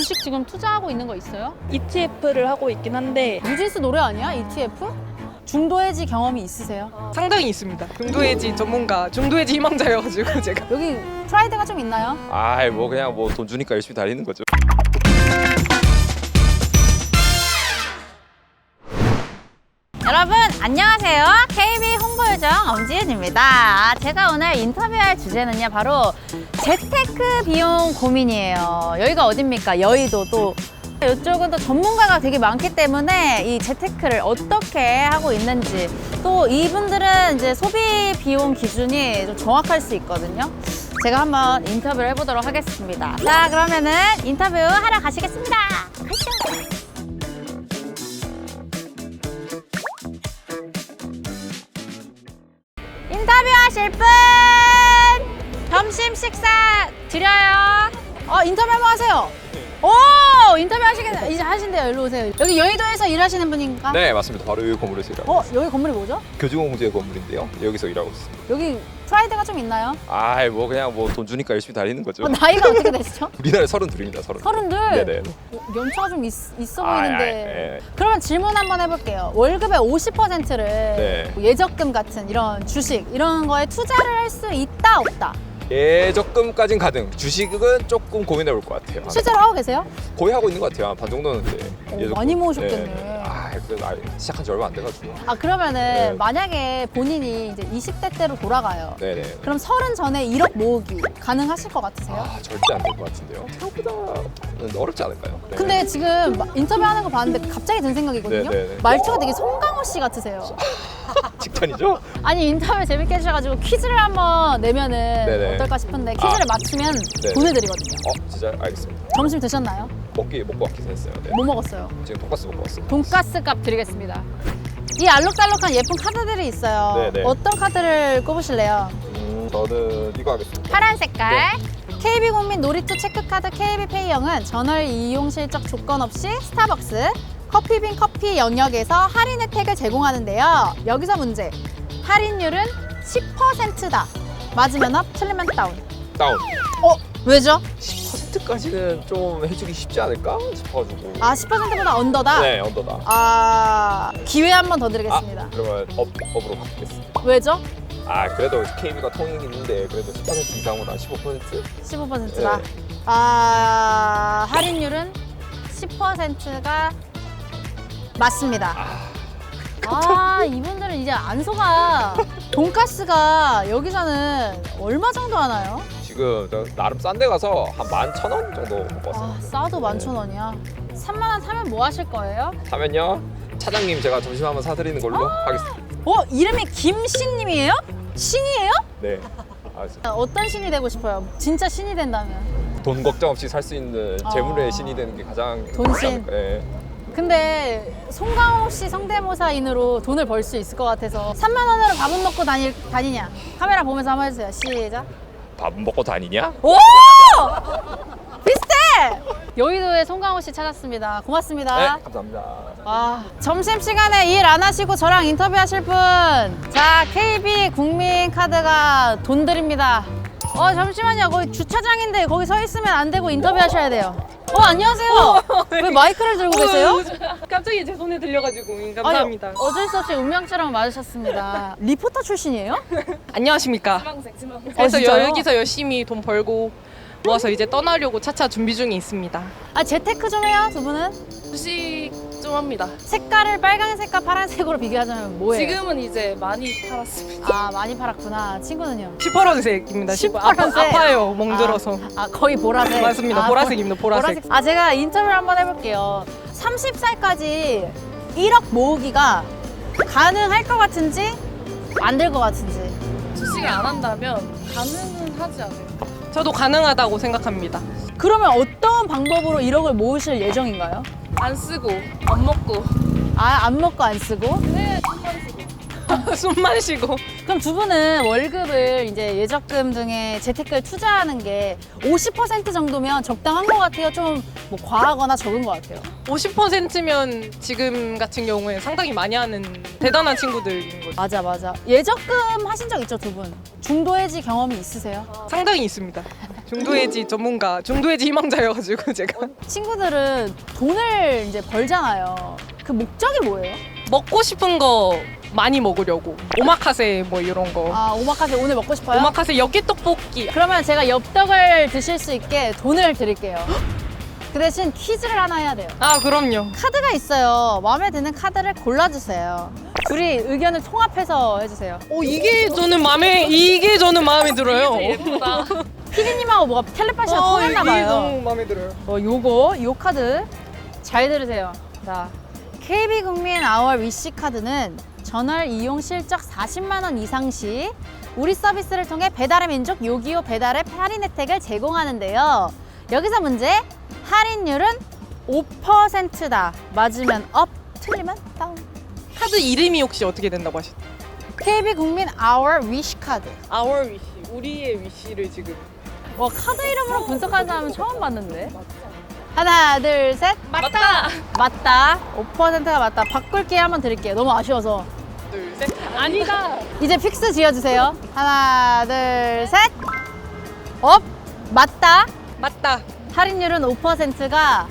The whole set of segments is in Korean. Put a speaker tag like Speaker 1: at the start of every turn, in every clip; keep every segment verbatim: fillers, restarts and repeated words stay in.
Speaker 1: 주식 지금 투자하고 있는 거 있어요?
Speaker 2: 이티에프를 하고 있긴 한데
Speaker 1: 뉴진스 노래 아니야? 이티에프? 중도 해지 경험이 있으세요?
Speaker 2: 상당히 있습니다. 중도 해지 전문가, 중도 해지 희망자여가지고 제가
Speaker 1: 여기 프라이드가 좀 있나요?
Speaker 3: 아이 뭐 그냥 뭐 돈 주니까 열심히 다니는 거죠.
Speaker 1: 여러분 안녕하세요. 케이비 홍보요정 엄지은입니다. 아, 제가 오늘 인터뷰할 주제는요 바로 재테크 비용 고민이에요. 여기가 어딥니까? 여의도. 또 이쪽은 또 전문가가 되게 많기 때문에 이 재테크를 어떻게 하고 있는지, 또 이분들은 이제 소비 비용 기준이 좀 정확할 수 있거든요. 제가 한번 인터뷰를 해보도록 하겠습니다. 자, 그러면은 인터뷰 하러 가시겠습니다. 가시죠. 인터뷰하실 분 점심 식사 드려요. 어 인터뷰 한번 하세요. 오 인터뷰 하시겠네. 이제 하신대요. 일로 오세요. 여기 여의도에서 일하시는 분인가?
Speaker 3: 네 맞습니다. 바로 여기 건물에서 일하고
Speaker 1: 어
Speaker 3: 있습니다.
Speaker 1: 여기 건물이 뭐죠?
Speaker 3: 교주공제 건물인데요. 여기서 일하고 있습니다.
Speaker 1: 여기 프라이드가 좀 있나요?
Speaker 3: 아이 뭐 그냥 뭐 돈 주니까 열심히 다니는 거죠.
Speaker 1: 어, 나이가 어떻게 되시죠?
Speaker 3: 우리나라 서른둘입니다. 서른.
Speaker 1: 서른둘.
Speaker 3: 네네.
Speaker 1: 어, 연차가 좀 있, 있어
Speaker 3: 아,
Speaker 1: 보이는데.
Speaker 3: 아, 예.
Speaker 1: 그러면 질문 한번 해볼게요. 월급의 오십 퍼센트를
Speaker 3: 네.
Speaker 1: 예적금 같은 이런 주식 이런 거에 투자를 할 수 있다 없다?
Speaker 3: 예적금까진 가능. 주식은 조금 고민해 볼 것 같아요.
Speaker 1: 실제로 하고 계세요?
Speaker 3: 거의 하고 있는 것 같아요. 한 반 정도는 이제
Speaker 1: 오,
Speaker 3: 예적금.
Speaker 1: 많이 모으셨겠네.
Speaker 3: 네. 아 그래도 아예 시작한 지 얼마 안 돼가지고.
Speaker 1: 아 그러면은
Speaker 3: 네.
Speaker 1: 만약에 본인이 이제 이십 대 때로 돌아가요.
Speaker 3: 네네.
Speaker 1: 그럼 서른 전에 일억 모으기 가능하실 것 같으세요?
Speaker 3: 아 절대 안 될 것 같은데요. 생각보다는 어렵지 않을까요? 네.
Speaker 1: 근데 지금 마- 인터뷰하는 거 봤는데 갑자기 든 생각이거든요.
Speaker 3: 네, 네, 네.
Speaker 1: 말투가 되게 송강호 씨 같으세요.
Speaker 3: 직전이죠?
Speaker 1: 아니 인터뷰 재밌게 해주셔가지고 퀴즈를 한번 내면은
Speaker 3: 네네.
Speaker 1: 어떨까 싶은데 퀴즈를
Speaker 3: 아.
Speaker 1: 맞추면
Speaker 3: 네.
Speaker 1: 보내드리거든요.
Speaker 3: 어 진짜 알겠습니다.
Speaker 1: 점심 드셨나요?
Speaker 3: 먹기 먹고 왔긴 했어요. 네.
Speaker 1: 뭐 먹었어요?
Speaker 3: 지금 돈가스 먹고 왔어요.
Speaker 1: 돈가스 값 드리겠습니다. 이 알록달록한 예쁜 카드들이 있어요.
Speaker 3: 네네.
Speaker 1: 어떤 카드를 꼽으실래요?
Speaker 3: 음, 저는 이거 하겠습니다.
Speaker 1: 파란 색깔. 케이비국민 놀이터 체크카드 케이비페이형은 전월 이용 실적 조건 없이 스타벅스, 커피빈 커피 영역에서 할인 혜택을 제공하는데요. 여기서 문제. 할인율은 십 퍼센트다. 맞으면 업, 틀리면 다운.
Speaker 3: 다운.
Speaker 1: 어? 왜죠?
Speaker 3: 십 퍼센트까지는 좀 해주기 쉽지 않을까 싶어가지고.
Speaker 1: 아, 십 퍼센트보다 언더다?
Speaker 3: 네, 언더다.
Speaker 1: 아, 기회 한 번 더 드리겠습니다.
Speaker 3: 아, 그러면 업, 업으로 바꾸겠습니다.
Speaker 1: 왜죠?
Speaker 3: 아, 그래도 케이비가 통행이 있는데 그래도 십 퍼센트 이상보다 십오 퍼센트?
Speaker 1: 십오 퍼센트다.
Speaker 3: 네.
Speaker 1: 아, 할인율은 십 퍼센트가 맞습니다. 아, 이분들은 이제 안 속아. 돈가스가 여기서는 얼마 정도 하나요?
Speaker 3: 지금 저 나름 싼 데 가서 한 만 천 원 정도 먹고 왔어요.
Speaker 1: 아, 싸도 만천 원이야. 삼만 원 사면 뭐 하실 거예요?
Speaker 3: 사면요, 차장님 제가 점심 한번 사드리는 걸로
Speaker 1: 아.
Speaker 3: 하겠습니다.
Speaker 1: 어, 이름이 김신님이에요? 신이에요?
Speaker 3: 네. 알겠습니다.
Speaker 1: 어떤 신이 되고 싶어요? 진짜 신이 된다면.
Speaker 3: 돈 걱정 없이 살 수 있는
Speaker 1: 아.
Speaker 3: 재물의 신이 되는 게 가장
Speaker 1: 돈신.
Speaker 3: 좋지 않을까. 네.
Speaker 1: 근데 송강호 씨 성대모사인으로 돈을 벌 수 있을 것 같아서 삼만 원으로 밥은 먹고 다니, 다니냐? 카메라 보면서 한번 해주세요. 시작.
Speaker 3: 밥 먹고 다니냐?
Speaker 1: 오! 비슷해! 여의도에 송강호 씨 찾았습니다. 고맙습니다.
Speaker 3: 네, 감사합니다.
Speaker 1: 아, 점심시간에 일 안 하시고 저랑 인터뷰 하실 분. 자, 케이비 국민카드가 돈 드립니다. 어, 잠시만요. 거기 주차장인데 거기 서 있으면 안 되고 인터뷰 하셔야 돼요. 어, 안녕하세요. 왜 마이크를 들고 계세요?
Speaker 2: 갑자기 제 손에 들려가지고 감사합니다.
Speaker 1: 아니, 어쩔 수 없이 운명처럼 맞으셨습니다. 리포터 출신이에요?
Speaker 2: 안녕하십니까.
Speaker 1: 어,
Speaker 2: 그래서
Speaker 1: 진짜요?
Speaker 2: 여기서 열심히 돈 벌고 모아서 이제 떠나려고 차차 준비 중에 있습니다.
Speaker 1: 아, 재테크 좀 해요, 두 분은?
Speaker 4: 주식 좀 합니다.
Speaker 1: 색깔을 빨간색과 파란색으로 비교하자면 뭐예요?
Speaker 4: 지금은 이제 많이 팔았습니다.
Speaker 1: 아, 많이 팔았구나. 친구는요?
Speaker 2: 시퍼런색입니다.
Speaker 1: 시퍼런색?
Speaker 2: 아파, 아파요, 멍들어서.
Speaker 1: 아, 거의 보라색.
Speaker 2: 맞습니다.
Speaker 1: 아,
Speaker 2: 보라색입니다. 보라색.
Speaker 1: 아, 제가 인터뷰를 한번 해볼게요. 서른 살까지 일억 모으기가 가능할 것 같은지 안 될 것 같은지.
Speaker 4: 주식을 안 한다면 가능은 하지 않아요.
Speaker 2: 저도 가능하다고 생각합니다.
Speaker 1: 그러면 어떤 방법으로 일억을 모으실 예정인가요?
Speaker 4: 안 쓰고 안 먹고
Speaker 1: 아, 안 먹고 안 쓰고?
Speaker 4: 네, 좀만 쓰고.
Speaker 2: 숨만 쉬고.
Speaker 1: 그럼 두 분은 월급을 이제 예적금 등의 재테크에 투자하는 게 오십 퍼센트 정도면 적당한 것 같아요? 좀 뭐 과하거나 적은 것 같아요?
Speaker 2: 오십 퍼센트면 지금 같은 경우에 상당히 많이 하는 대단한 친구들인 거죠.
Speaker 1: 맞아, 맞아. 예적금 하신 적 있죠, 두 분? 중도 해지 경험이 있으세요?
Speaker 2: 상당히 있습니다. 중도해지 전문가, 중도해지 희망자여가지고 제가
Speaker 1: 친구들은 돈을 이제 벌잖아요. 그 목적이 뭐예요?
Speaker 2: 먹고 싶은 거 많이 먹으려고 오마카세 뭐 이런 거.
Speaker 1: 아, 오마카세 오늘 먹고 싶어요?
Speaker 2: 오마카세 엽기 떡볶이.
Speaker 1: 그러면 제가 엽떡을 드실 수 있게 돈을 드릴게요. 그 대신 퀴즈를 하나 해야 돼요.
Speaker 2: 아 그럼요.
Speaker 1: 카드가 있어요. 마음에 드는 카드를 골라주세요. 둘이 의견을 통합해서 해주세요.
Speaker 2: 오 이게 저는 마음에 이게 저는 마음에 들어요. 예쁘다.
Speaker 1: 피디님하고 뭐가 텔레파시가 통했나
Speaker 2: 이게
Speaker 1: 봐요.
Speaker 2: 너무 마음에 들어요.
Speaker 1: 어, 요거, 요 카드 잘 들으세요. 자, 케이비국민 아월 위시 카드는 전월 이용 실적 사십만 원 이상 시 우리 서비스를 통해 배달의 민족 요기요 배달의 할인 혜택을 제공하는데요. 여기서 문제, 할인율은 오 퍼센트다. 맞으면 업, 틀리면 다운.
Speaker 2: 카드 이름이 혹시 어떻게 된다고 하셨죠?
Speaker 1: 케이비국민 아월 위시 카드.
Speaker 2: Our wish, 우리의 위시를 지금.
Speaker 1: 와, 카드 이름으로 분석하는 사람은 처음 봤는데. 하나, 둘, 셋.
Speaker 2: 맞다.
Speaker 1: 맞다. 오 퍼센트가 맞다. 바꿀 기회 한번 드릴게요. 너무 아쉬워서.
Speaker 2: 둘, 셋. 아니다.
Speaker 1: 이제 픽스 지어주세요. 하나, 둘, 셋. 업. 맞다.
Speaker 2: 맞다.
Speaker 1: 할인율은 오 퍼센트가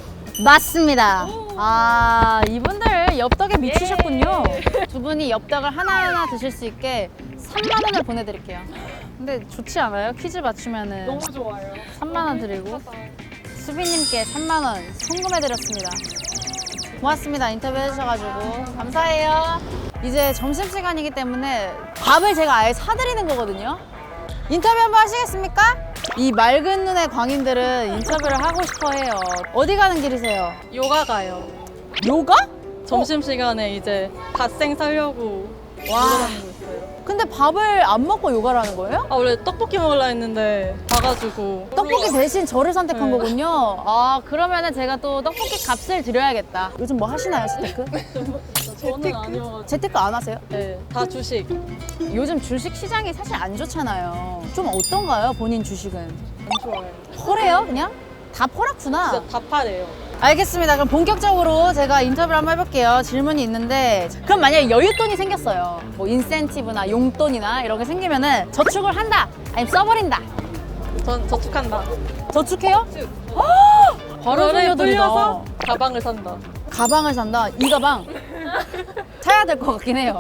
Speaker 1: 맞습니다. 아, 이분들 엽떡에 미치셨군요. 두 분이 엽떡을 하나하나 드실 수 있게 삼만 원을 보내드릴게요. 근데 좋지 않아요? 퀴즈 맞추면은
Speaker 2: 너무 좋아요.
Speaker 1: 삼만 원 드리고 수빈님께 삼만 원 송금해드렸습니다. 고맙습니다. 인터뷰 해주셔가지고 감사해요. 이제 점심시간이기 때문에 밥을 제가 아예 사드리는 거거든요. 인터뷰 한번 하시겠습니까? 이 맑은 눈의 광인들은 인터뷰를 하고 싶어 해요. 어디 가는 길이세요?
Speaker 4: 요가 가요.
Speaker 1: 요가?
Speaker 4: 점심시간에 이제 갓생 살려고
Speaker 1: 와.
Speaker 4: 돌아다니고 있어요.
Speaker 1: 근데 밥을 안 먹고 요가를 하는 거예요?
Speaker 4: 아 원래 떡볶이 먹으려 했는데 가가지고
Speaker 1: 떡볶이 대신 저를 선택한
Speaker 4: 네.
Speaker 1: 거군요. 아, 그러면은 제가 또 떡볶이 값을 드려야겠다. 요즘 뭐 하시나요, 재테크?
Speaker 4: 저는 아니어가지고
Speaker 1: 재테크 안 하세요?
Speaker 4: 네, 다 주식
Speaker 1: 요즘 주식 시장이 사실 안 좋잖아요. 좀 어떤가요, 본인 주식은?
Speaker 4: 안 좋아해요.
Speaker 1: 퍼래요, 그냥? 다 퍼놨구나.
Speaker 4: 진짜 다 파래요.
Speaker 1: 알겠습니다. 그럼 본격적으로 제가 인터뷰를 한번 해볼게요. 질문이 있는데, 그럼 만약에 여윳돈이 생겼어요. 뭐 인센티브나 용돈이나 이런 게 생기면은 저축을 한다, 아니면 써버린다.
Speaker 4: 전 저축한다.
Speaker 1: 저축해요? 헉! 바로
Speaker 4: 그거를
Speaker 1: 소녀들이다.
Speaker 4: 불려서 가방을 산다.
Speaker 1: 가방을 산다. 이 가방 사야 될 것 같긴 해요.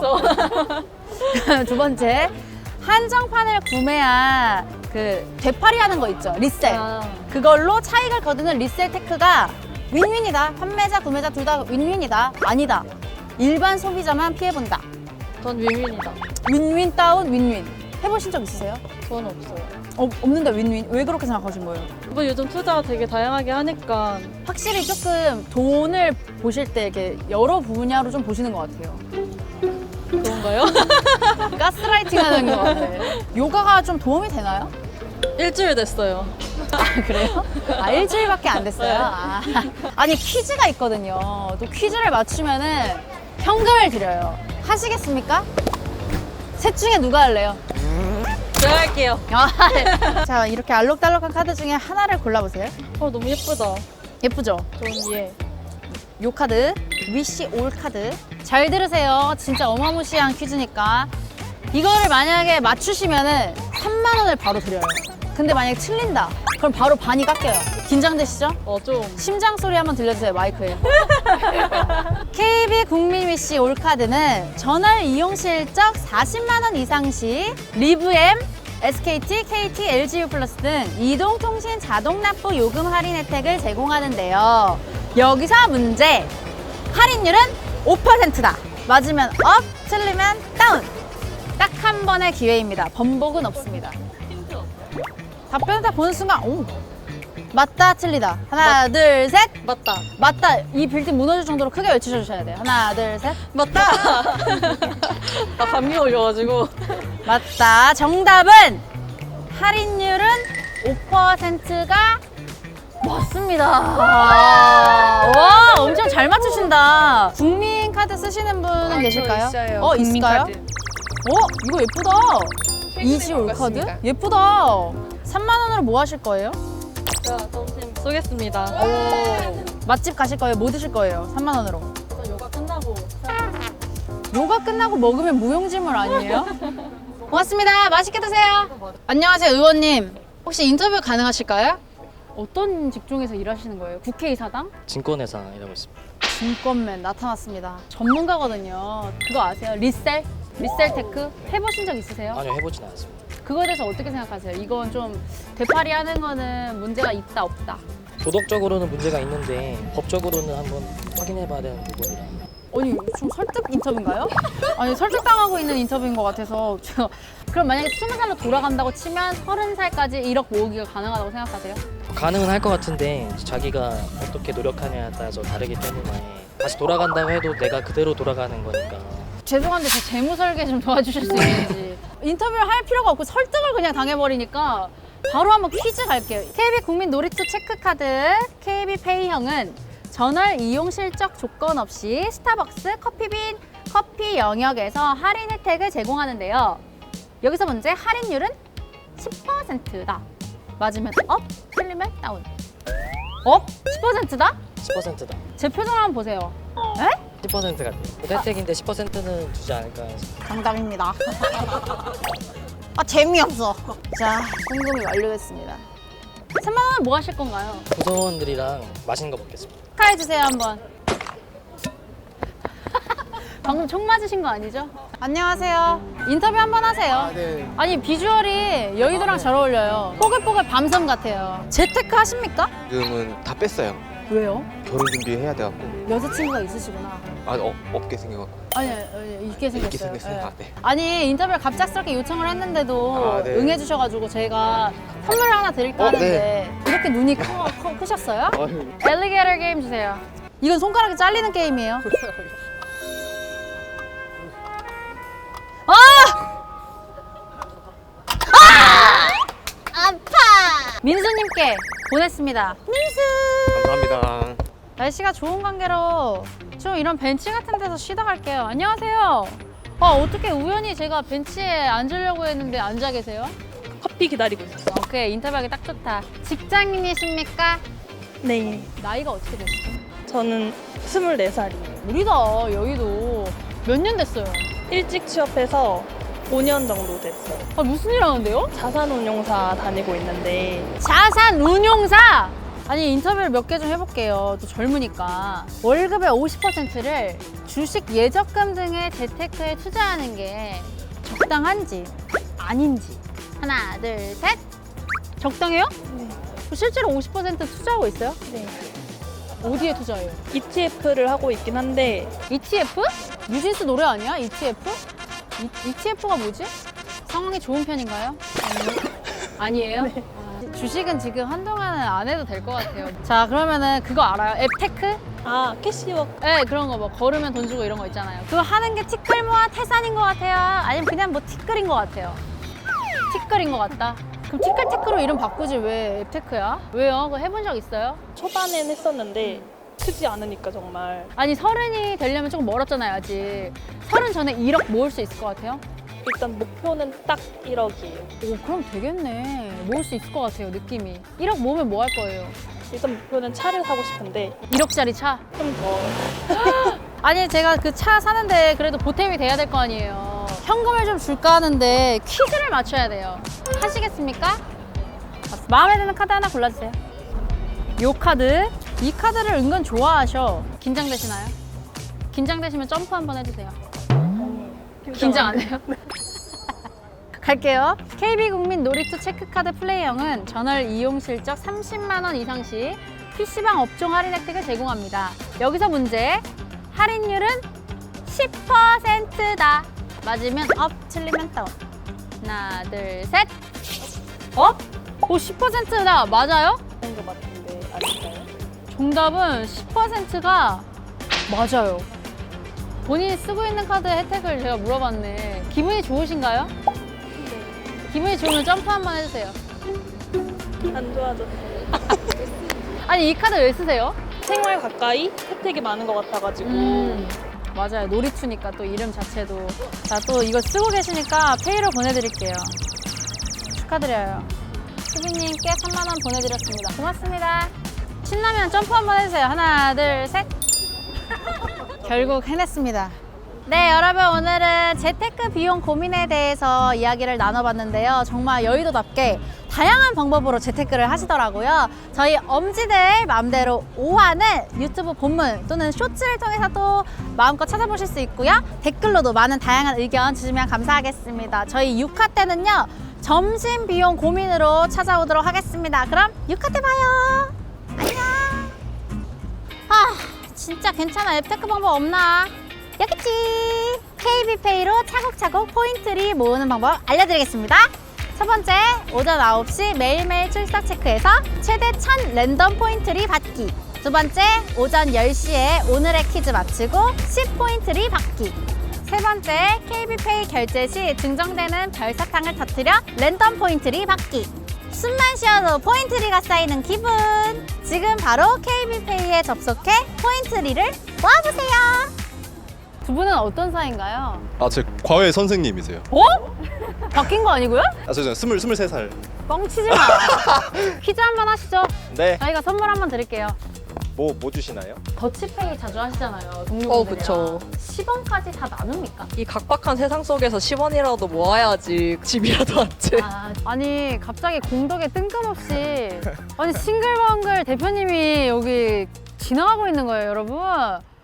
Speaker 1: 두 번째, 한정판을 구매한 그 되팔이 하는 거 있죠, 리셀.
Speaker 4: 아.
Speaker 1: 그걸로 차익을 거두는 리셀 테크가 윈윈이다. 판매자, 구매자 둘 다 윈윈이다. 아니다. 일반 소비자만 피해본다.
Speaker 4: 전 윈윈이다.
Speaker 1: 윈윈 다운 윈윈. 해보신 적 있으세요?
Speaker 4: 저는 없어요.
Speaker 1: 어, 없는데 윈윈. 왜 그렇게 생각하신 거예요?
Speaker 4: 뭐 요즘 투자가 되게 다양하게 하니까
Speaker 1: 확실히 조금 돈을 보실 때 이렇게 여러 분야로 좀 보시는 것 같아요.
Speaker 4: 그런가요?
Speaker 1: 가스라이팅 하는 것 같아요. 요가가 좀 도움이 되나요?
Speaker 4: 일주일 됐어요.
Speaker 1: 아, 그래요? 아, 일주일밖에 안 됐어요?
Speaker 4: 네.
Speaker 1: 아. 아니, 퀴즈가 있거든요. 또 퀴즈를 맞추면은 현금을 드려요. 하시겠습니까? 셋 중에 누가 할래요?
Speaker 4: 제가 할게요.
Speaker 1: 아, 네. 자, 이렇게 알록달록한 카드 중에 하나를 골라보세요.
Speaker 4: 어 너무 예쁘다.
Speaker 1: 예쁘죠?
Speaker 4: 전 얘.
Speaker 1: 요 카드, 위시 올 카드. 잘 들으세요. 진짜 어마무시한 퀴즈니까. 이거를 만약에 맞추시면은 삼만 원을 바로 드려요. 근데 만약에 틀린다. 그럼 바로 반이 깎여요. 긴장되시죠?
Speaker 4: 어 좀.
Speaker 1: 심장 소리 한번 들려주세요, 마이크에. 케이비 국민 위시 올 카드는 전월 이용 실적 사십만 원 이상 시 리브엠, 에스케이티, 케이티, 엘지유 플러스 등 이동통신 자동 납부 요금 할인 혜택을 제공하는데요. 여기서 문제. 할인율은 오 퍼센트다. 맞으면 업, 틀리면 다운. 딱 한 번의 기회입니다. 번복은 없습니다. 답변을 다 보는 순간, 오, 맞다, 틀리다. 하나, 둘, 셋.
Speaker 4: 맞다.
Speaker 1: 맞다. 이 빌딩 무너질 정도로 크게 외쳐주셔야 돼요. 하나, 둘, 셋.
Speaker 4: 맞다. 아 감기 걸려가지고.
Speaker 1: 맞다. 정답은 할인율은 오 퍼센트가 맞습니다. 와, 와, 엄청 잘 맞추신다. 국민 카드 쓰시는 분은 계실까요?
Speaker 2: 있어요.
Speaker 1: 어,
Speaker 2: 국민
Speaker 1: 있을까요?
Speaker 2: 카드.
Speaker 1: 어, 이거 예쁘다. 이지 올 카드?
Speaker 2: 바꿨습니다.
Speaker 1: 예쁘다. 삼만 원으로 뭐 하실 거예요?
Speaker 4: 제가 점심 쏘겠습니다.
Speaker 1: 오. 맛집 가실 거예요? 뭐 드실 거예요? 삼만 원으로.
Speaker 4: 저 요가 끝나고
Speaker 1: 요가 끝나고 먹으면 무용지물 아니에요? 고맙습니다. 맛있게 드세요. 안녕하세요, 의원님. 혹시 인터뷰 가능하실까요? 어떤 직종에서 일하시는 거예요? 국회의사당?
Speaker 5: 증권회사 일하고 있습니다.
Speaker 1: 증권맨 나타났습니다. 전문가거든요. 그거 아세요? 리셀? 리셀 테크? 해보신 적 있으세요?
Speaker 5: 아니요, 해보진 않았습니다.
Speaker 1: 그거에 대해서 어떻게 생각하세요? 이건 좀 되팔이 하는 거는 문제가 있다 없다.
Speaker 5: 도덕적으로는 문제가 있는데 법적으로는 한번 확인해봐야 되는 부분이라.
Speaker 1: 아니 좀 설득 인터뷰인가요? 아니 설득당하고 있는 인터뷰인 것 같아서 저 그럼 만약에 스무 살로 돌아간다고 치면 서른 살까지 일억 모으기가 가능하다고 생각하세요?
Speaker 5: 가능은 할 것 같은데 자기가 어떻게 노력하냐에 따라서 다르기 때문에 다시 돌아간다고 해도 내가 그대로 돌아가는 거니까.
Speaker 1: 죄송한데 제 재무 설계 좀 도와주실 수 있는지. 인터뷰를 할 필요가 없고 설득을 그냥 당해버리니까 바로 한번 퀴즈 갈게요. 케이비 국민 놀이터 체크카드 케이비페이형은 전월 이용 실적 조건 없이 스타벅스 커피빈 커피 영역에서 할인 혜택을 제공하는데요. 여기서 문제, 할인율은 십 퍼센트다. 맞으면 업, 틀리면 다운. 업? 십 퍼센트다?
Speaker 5: 십 퍼센트다.
Speaker 1: 제 표정 한번 보세요. 에?
Speaker 5: 십 퍼센트 같아요. 혜택인데 십 퍼센트는 주지 않을까 해서.
Speaker 1: 정답입니다. 아 재미없어. 자, 궁금이 완료됐습니다. 삼만 원은 뭐 하실 건가요?
Speaker 5: 구성원들이랑 맛있는 거 먹겠습니다.
Speaker 1: 축하해 주세요 한번. 방금 총 맞으신 거 아니죠? 안녕하세요. 인터뷰 한번 하세요.
Speaker 6: 아, 네.
Speaker 1: 아니 비주얼이 여의도랑 잘 어울려요. 뽀글뽀글 밤섬 같아요. 재테크 하십니까?
Speaker 6: 지금은 다 뺐어요.
Speaker 1: 왜요?
Speaker 6: 결혼 준비해야 돼갖고.
Speaker 1: 여자친구가 있으시구나.
Speaker 6: 아, 어, 없게 생겨갖고.
Speaker 1: 아니, 아니 있게 생겼어요.
Speaker 6: 있게 생겼어요?
Speaker 1: 예.
Speaker 6: 아, 네.
Speaker 1: 아니 인터뷰를 갑작스럽게 요청을 했는데도
Speaker 6: 아, 네.
Speaker 1: 응해주셔가지고 저희가 선물을 하나 드릴까
Speaker 6: 어,
Speaker 1: 하는데 이렇게 눈이 커, 커, 크셨어요? 엘리게이터 게임 주세요. 이건 손가락이 잘리는 게임이에요. 아! 아! 아파! 민수님께 보냈습니다. 민수!
Speaker 6: 감사합니다.
Speaker 1: 날씨가 좋은 관계로 좀 이런 벤치 같은 데서 쉬다 갈게요. 안녕하세요. 아, 어떻게 우연히 제가 벤치에 앉으려고 했는데 앉아 계세요?
Speaker 4: 커피 기다리고 있었어.
Speaker 1: 오케이, 인터뷰하기 딱 좋다. 직장인이십니까?
Speaker 4: 네.
Speaker 1: 나이가 어떻게 되시죠?
Speaker 4: 저는 스물네 살이에요.
Speaker 1: 우리다, 여의도. 몇 년 됐어요?
Speaker 4: 일찍 취업해서 오 년 정도 됐어요.
Speaker 1: 아, 무슨 일 하는데요?
Speaker 4: 자산운용사 다니고 있는데
Speaker 1: 자산 운용사! 아니 인터뷰를 몇 개 좀 해볼게요. 또 젊으니까. 월급의 오십 퍼센트를 주식 예적금 등의 재테크에 투자하는 게 적당한지 아닌지. 하나, 둘, 셋. 적당해요?
Speaker 4: 네.
Speaker 1: 실제로 오십 퍼센트 투자하고 있어요?
Speaker 4: 네.
Speaker 1: 어디에 투자해요?
Speaker 4: 이티에프를 하고 있긴 한데
Speaker 1: 이티에프? 뉴진스 노래 아니야? 이티에프? 이, 이티에프가 뭐지? 상황이 좋은 편인가요? 아니에요?
Speaker 4: 네.
Speaker 1: 아, 주식은 지금 한동안은 안 해도 될 것 같아요. 자, 그러면은 그거 알아요? 앱테크?
Speaker 4: 아 캐시워크.
Speaker 1: 네, 그런 거 뭐 걸으면 돈 주고 이런 거 있잖아요. 그거 하는 게 티끌모아 태산인 것 같아요? 아니면 그냥 뭐 티끌인 것 같아요? 티끌인 것 같다? 그럼 티끌티끌로 이름 바꾸지 왜 앱테크야? 왜요? 그거 해본 적 있어요?
Speaker 4: 초반엔 했었는데 크지 않으니까 정말.
Speaker 1: 아니 서른이 되려면 조금 멀었잖아요 아직. 서른 전에 일억 모을 수 있을 것 같아요?
Speaker 4: 일단 목표는 딱 일억이에요.
Speaker 1: 오 그럼 되겠네. 모을 수 있을 것 같아요 느낌이. 일억 모으면 뭐 할 거예요?
Speaker 4: 일단 목표는 차를 사고 싶은데
Speaker 1: 일억짜리 차?
Speaker 4: 좀 더.
Speaker 1: 아니 제가 그 차 사는데 그래도 보탬이 돼야 될 거 아니에요. 현금을 좀 줄까 하는데 퀴즈를 맞춰야 돼요. 하시겠습니까? 마음에 드는 카드 하나 골라주세요. 요 카드. 이 카드를 은근 좋아하셔. 긴장되시나요? 긴장되시면 점프 한번 해주세요. 긴장 안 해요? 갈게요. 케이비 국민 놀이터 체크카드 플레이형은 전월 이용 실적 삼십만 원 이상 시 피시방 업종 할인 혜택을 제공합니다. 여기서 문제. 할인율은 십 퍼센트다. 맞으면 업, 틀리면 다운. 하나, 둘, 셋. 업? 오, 십 퍼센트다. 맞아요?
Speaker 4: 그런 거 같은데 아닐까요?
Speaker 1: 정답은 십 퍼센트가 맞아요. 본인이 쓰고 있는 카드 혜택을 제가 물어봤네. 기분이 좋으신가요?
Speaker 4: 네.
Speaker 1: 기분이 좋으면 점프 한번 해주세요.
Speaker 4: 안 좋아졌어요.
Speaker 1: 아니 이 카드 왜 쓰세요?
Speaker 4: 생활 가까이 혜택이 많은 것 같아가지고.
Speaker 1: 음, 맞아요. 놀이투니까 또 이름 자체도. 자, 또 이거 쓰고 계시니까 페이로 보내드릴게요. 축하드려요. 수빈님께 삼만 원 보내드렸습니다. 고맙습니다. 신나면 점프 한번 해주세요. 하나, 둘, 셋. 결국 해냈습니다. 네, 여러분 오늘은 재테크 비용 고민에 대해서 이야기를 나눠봤는데요. 정말 여의도답게 다양한 방법으로 재테크를 하시더라고요. 저희 엄지들 마음대로 오 화는 유튜브 본문 또는 쇼츠를 통해서 또 마음껏 찾아보실 수 있고요. 댓글로도 많은 다양한 의견 주시면 감사하겠습니다. 저희 육 화 때는요, 점심 비용 고민으로 찾아오도록 하겠습니다. 그럼 육 화 때 봐요. 안녕. 아, 진짜 괜찮아. 앱테크 방법 없나? 여기 있지. 케이비페이로 차곡차곡 포인트를 모으는 방법 알려드리겠습니다. 첫 번째, 오전 아홉 시 매일매일 출석 체크해서 최대 천 랜덤 포인트를 받기. 두 번째, 오전 열 시에 오늘의 퀴즈 맞추고 십 포인트를 받기. 세 번째, 케이비페이 결제 시 증정되는 별사탕을 터뜨려 랜덤 포인트를 받기. 숨만 쉬어도 포인트리가 쌓이는 기분. 지금 바로 케이비페이에 접속해 포인트리를 모아보세요. 두 분은 어떤 사이인가요?
Speaker 7: 아, 제 과외 선생님이세요.
Speaker 1: 어? 바뀐 거 아니고요?
Speaker 7: 아, 저 스물 스물세 살.
Speaker 1: 뻥치지 마. 퀴즈 한번 하시죠.
Speaker 6: 네.
Speaker 1: 저희가 선물 한번 드릴게요.
Speaker 6: 뭐, 뭐 주시나요?
Speaker 1: 더치페이 자주 하시잖아요.
Speaker 2: 어,
Speaker 1: 동료분들이랑.
Speaker 2: 그쵸.
Speaker 1: 십 원까지 다 나눕니까?
Speaker 2: 이 각박한 세상 속에서 십 원이라도 모아야지 집이라도 왔지.
Speaker 1: 아, 아니 갑자기 공덕에 뜬금없이 아니 싱글벙글 대표님이 여기 지나가고 있는 거예요, 여러분.